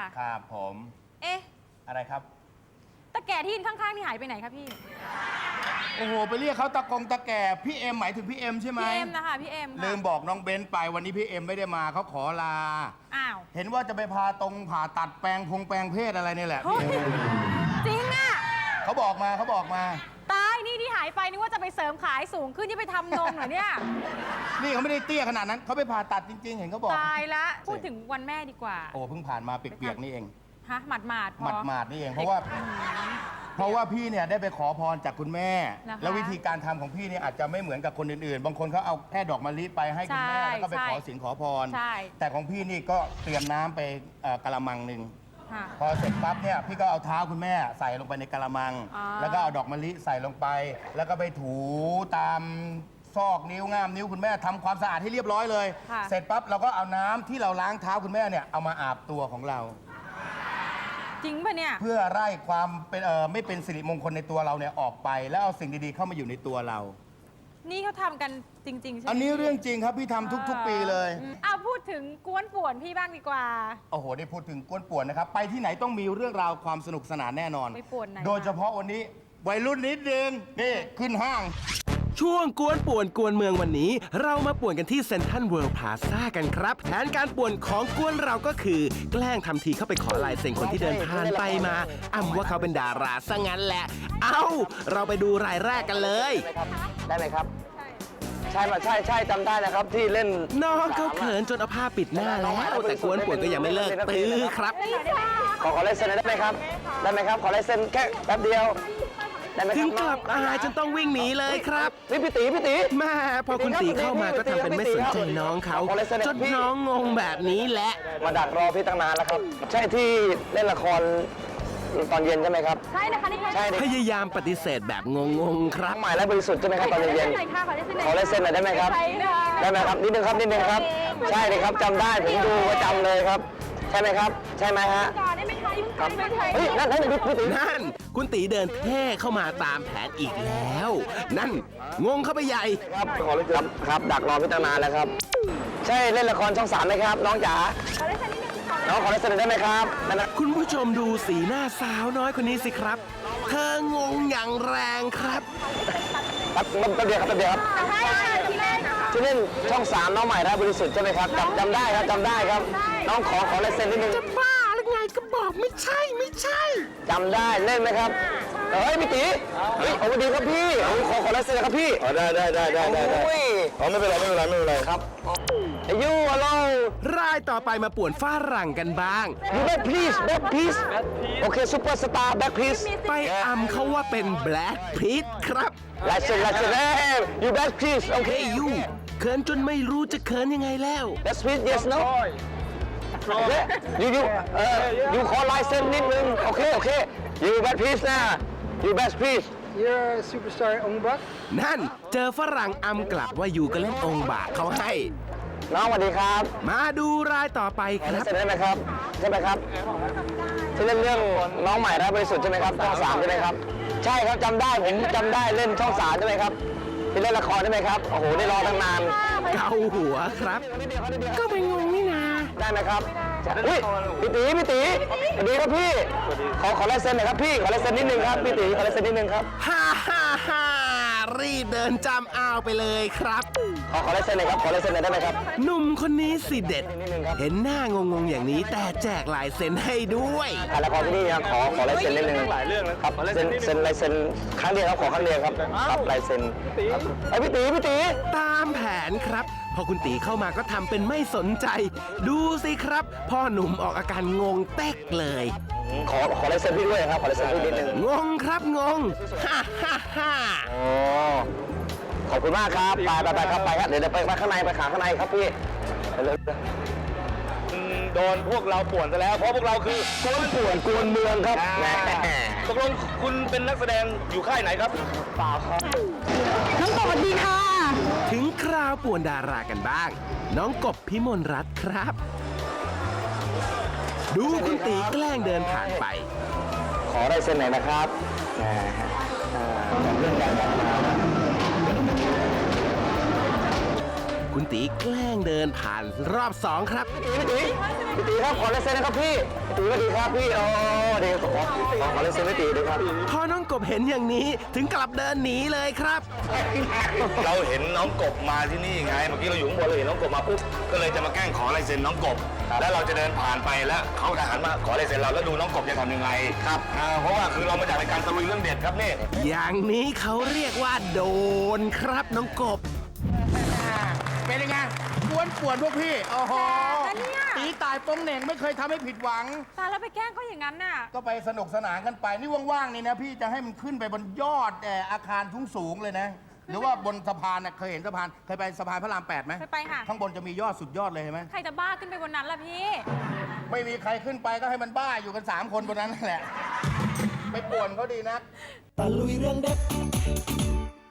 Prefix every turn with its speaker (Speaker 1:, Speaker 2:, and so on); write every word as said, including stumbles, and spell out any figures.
Speaker 1: ครับผม
Speaker 2: เอ๊ะ
Speaker 1: อะไรครับ
Speaker 2: ตะแก่ที่ยืนข้างๆนี่หายไปไหนคะพี่
Speaker 1: โอ้โหไปเรียกเขาตะกงตะแก่พี่เอ็มหมายถึงพี่เอ็มใช่ไหม
Speaker 2: พี่เอ็มนะคะพี่เอ็ม
Speaker 1: ลืมบอกน้องเบนไปวันนี้พี่เอ็มไม่ได้มาเขาขอลา
Speaker 2: อ้าว
Speaker 1: เห็นว่าจะไปพาตรงผ่าตัดแปลงพงแปลงเพศอะไรนี่แหละ
Speaker 2: จริงอ่ะ
Speaker 1: เขาบอกมาเขาบอกมา
Speaker 2: ตายนี่ที่หายไปนึกว่าจะไปเสริมขายสูงขึ้นที่ไปทำนมเหรอเนี่ย
Speaker 1: นี่เขาไม่ได้เตี้ยขนาดนั้นเขาไปผ่าตัดจริงๆเห็นเขาบอก
Speaker 2: ตายละพูดถึงวันแม่ดีกว่า
Speaker 1: โอ้เพิ่งผ่านมาเปียกๆนี่เอง
Speaker 2: ฮะหมาดหมาด
Speaker 1: หมาดหมาดนี่เองเพราะว่าเพราะว่าพี่เนี่ยได้ไปขอพรจากคุณแม่แล้ววิธีการทำของพี่เนี่ยอาจจะไม่เหมือนกับคนอื่นๆบางคนเขาเอาแค่ดอกมะลิไปให้คุณแม่แล้วก็ไปขอสินขอพรแต่ของพี่นี่ก็เตรียมน้ำไปกะละมังหนึ่งพอเสร็จปั๊บเนี่ยพี่ก็เอาเท้าคุณแม่ใส่ลงไปในกะละมังแล้วก็เอาดอกมะลิใส่ลงไปแล้วก็ไปถูตามซอกนิ้วง่ามนิ้วคุณแม่ทำความสะอาดให้เรียบร้อยเลยเสร็จปั๊บเราก็เอาน้ำที่เราล้างเท้าคุณแม่เนี่ยเอามาอาบตัวของเรา
Speaker 2: จริงป่ะเนี่ย
Speaker 1: เพื่อไล่ความเป็นเอ่อไม่เป็นสิริมงคลในตัวเราเนี่ยออกไปแล้วเอาสิ่งดีๆเข้ามาอยู่ในตัวเรา
Speaker 2: นี่เขาทำกันจริงๆใช่ไหม
Speaker 1: อันนี้เรื่องจริงครับพี่ทำทุกๆปีเลย
Speaker 2: เอาพูดถึงกวนป่วนพี่บ้างดีกว่า
Speaker 1: โอ้โหได้พูดถึงกวนป่วนนะครับไปที่ไหนต้องมีเรื่องราวความสนุกสนานแน่นอน
Speaker 2: ไปป่วนไหน
Speaker 1: โดยเฉพาะวันนี้วัยรุ่นนิดนึงนี่ขึ้นห้าง
Speaker 3: ช่วงกวนป่วนกวนเมืองวันนี้เรามาป่วนกันที่เซ็นทรัลเวิลด์พลาซ่ากันครับแผนการป่วนของกวนเราก็คือแกล้งทำทีเข้าไปขอลายเซ็นคนที่เดินผ่านไปมาอ้ำว่าเขาเป็นดาราซะงั้นแหละเอ้าเราไปดูรายแรกกันเลย
Speaker 4: ได้ไหมครับใช่ใช่ใช่จำได้นะครับที่เล่น
Speaker 3: น้องเขาเขินจนเอาผ้าปิดหน้าแล้วแต่กวนป่วนก็ยังไม่เลิกตื้อครับ
Speaker 4: ขอขอลายเซ็นได้ไหมครับได้ไหมครับขอลายเซ็นแค่แป๊บเดียว
Speaker 3: ถึงกลับอายจนต้องวิ่งหนีเลยครับ
Speaker 4: นี่พี่ตีพี่ตี
Speaker 3: แม่พอคุณตีเข้ามาก็ทำเป็นไม่สนใจน้องเขาจนน้องงงแบบนี้แหละ
Speaker 4: มาดักรอพี่ตั้งนานแล้วครับใช่ที่เล่นละครตอนเย็นใช่ไหมครับ
Speaker 2: ใช่นะคะนี่ใช่
Speaker 3: พยายามปฏิเสธแบบงงๆครับ
Speaker 4: ใหม่และบริสุทธิ์ใช่ไหมครับตอนเย็นขอลายเซ็นหน่อยได้ไหมครับได้ไหมครับนิดนึงครับนิดนึงครับใช่เลยครับจำได้ผมดูประจำเลยครับใช่ไหมครับใช่ไหมฮะเฮ้ยนั่นนั่นพี่ตี
Speaker 3: นั่นคุณตีเดินเท่เข้ามาตามแผนอีกแล้วนั่นงงเข้าไปใหญ่
Speaker 4: ครับขอเลยครับครับดักรอพี่ตั้งนานแล้วครับใช่เล่นละครช่องสามไหมครับน้องจ๋าน้องขอลายเซ็นได้ไหมครับ
Speaker 3: คุณผู้ชมดูสีหน้าสาวน้อยคนนี้สิครับเธองงอย่างแรงครับ
Speaker 4: ครับแป๊บเดียวครับแป๊บเดียวครับที่เล่นช่องสามน้องใหม่และบริสุทธิ์ใช่ไหมครับจำจำได้ครับจำได้ครับน้องขอขอลายเซ็นนิดนึง
Speaker 3: จะบ้าหรือไงก็บอกไม่ใช่ไม่ใช่
Speaker 4: จำได้เล่นไหมครับเฮ้ยพี่ตีเฮ้ยสวัสดีครับพี่ขอขอลายเซ็นครับพี่
Speaker 1: ได้ได้ได้ได้ได้ได้อ๋อไม่เป็นไรไม่เป็นไรไม่เป็นไร
Speaker 4: ครับอายุอะไร
Speaker 3: รายต่อไปมาป่วนฝรั่งกันบ้าง
Speaker 4: ยูแบ็คพีซแบ็คพีซโอเคซูเปอร์สตาร์แบ็คพีซ
Speaker 3: ไปอำเขาว่าเป็นแบล็คพีซครับ
Speaker 4: ลายเซ็นลายเซ็นเอ้ยยูแบ็คพีซโอเค
Speaker 3: ยูเขินจนไม่รู้จะเขินยังไงแล้ว
Speaker 4: แบ็คพีซ yes no ยูยูเอ่อยูขอลายเซ็นนิดนึงโอเคโอเคยูแบ็คพีซนะยูแบ็คพีซ
Speaker 5: You're a superstar องค์บัก
Speaker 3: นั่นเจอฝรั่งอำกลับว่าอยู่ก็เล่นองค์บากเขาให้
Speaker 4: น้องสวัสดีครับ
Speaker 3: มาดูรายต่อไปครับ
Speaker 4: เสร็จได้ไหมครับใช่ไหมครับที่เล่นเรื่องน้องใหม่และบริสุทธิ์ใช่ไหมครับช่องสามใช่ไหมครับใช่ครับจำได้ผมจำได้เล่นช่องสามใช่ไหมครับที่เล่นละครใช่ไหมครับโอ้โหได้รอตั้งนาน
Speaker 3: เกาหัวครับก็ไปงงนี่นา
Speaker 4: ได้ไหมครับอุ้ยพี่ตีพี่ตีสวัสดีครับพี่ขอขอลายเซ็นหน่อยครับพี่ขอลายเซ็นนิดนึงครับพี่ตีขอลายเซ็นนิดนึงครับ
Speaker 3: ฮ่าฮ่าฮ่ารีบเดินจำอ้าวไปเลยครับ
Speaker 4: ขอขอลายเซ็นหน่อยครับขอลายเซ็นหน่อยได้ไหมครับ
Speaker 3: หนุ่มคนนี้สิเด็ดเห็นหน้างงๆอย่างนี้แต่แจกลายเซ็นให้ด้วย
Speaker 4: ถ่ายละครที่นี่นะขอขอลายเซ็นนิดนึงหลายเรื่องนะครับเซ็นเซ็นลายเซ็นครั้งเดียวครับขอครั้งเดียวครับครับลายเซ็นไอพี่ตีพี่ตี
Speaker 3: ตามแผนครับพอคุณตีเข้ามาก็ทำเป็นไม่สนใจดูสิครับพ่อหนุ่มออกอาการงงเต๊กเลย
Speaker 4: ขอขอลายเซ็นพี่ด้วยครับขอลายเซ็นพี่นิดนึง
Speaker 3: งงครับงงฮ่าฮ่าฮ่า
Speaker 4: โอ้ขอบคุณมากครับไปไปไปครับไปครับเดี๋ยวไปไปข้างในไปขาข้างในครับพี่
Speaker 1: โดนพวกเราป่วนซะแล้วเพราะพวกเราคือก
Speaker 4: วนป่วนกวนเมืองครับ
Speaker 1: ตกลงคุณเป็นนักแสดงอยู่ค่ายไหนครับ
Speaker 4: เปล่าครับ
Speaker 2: น้องกบสวัสดีค่ะ
Speaker 3: ถึงคราวป่วนดารากันบ้างน้องกบพิมลรัตน์ครับดูคุณตีแกล้งเดินผ่านไป
Speaker 4: ขอได้เซ็นไหนนะครับเรื่องการ
Speaker 3: คุณตีแกล้งเดินผ่านรอบสองครับ
Speaker 4: พี่ตีพี่ตีครับขอลายเซ็นนะครับพี่พี่ตีสวัสดีครับพี่โอ้เดี๋ยวขอขอขอลายเซ็นพี่ตีด้วยครับ
Speaker 3: พอน้องกบเห็นอย่างนี้ถึงกลับเดินหนีเลยครับ
Speaker 6: เราเห็นน้องกบมาที่นี่ไง เมื่อกี้เราอยู่ข้างบนเราเห็นน้องกบมาปุ๊บ ก็เลยจะมาแกล้งขอลายเซ็นน้องกบ แล้วเราจะเดินผ่านไปแล้วเขาจะหันมาขอลายเซ็นเราแล้วดูน้องกบจะทำยังไง ครับอ่าเพราะว่าคือเรามาจากรายการตะลุยเรื่องเด็ดครับนี่
Speaker 3: อย่างนี้เขาเรียกว่าโดนครับน้องกบ
Speaker 1: เป็นยังไงกวนป่วนพวกพี่โอ้โห
Speaker 2: แต่เนี่ย
Speaker 1: ตีตายโป้งเหน่งไม่เคยทำให้ผิดหวัง
Speaker 2: ตายแล้วไปแกล้งเขาอย่างนั้นน่ะ
Speaker 1: ก็ไปสนุกสนานกันไป นี่ว่างๆนี่นะพี่จะให้มันขึ้นไปบนยอดเอ่ออาคารสูงๆเลยนะ หรือว่าบนสะพานน่ะเคยเห็นสะพานเคยไปสะพานพระรามแปดไหม
Speaker 2: เคยไปค่ะ
Speaker 1: ข้างบนจะมียอดสุดยอดเลยเห็นไหม
Speaker 2: ใครจะบ้าขึ้นไปบนนั้นล่ะพี่
Speaker 1: ไม่มีใครขึ้นไปก็ให้มันบ้าอยู่กันสามคนบนนั้นนั่นแหละ ไปป่วนเขาดีนัก
Speaker 3: ตะลุยเรื่องเด็ด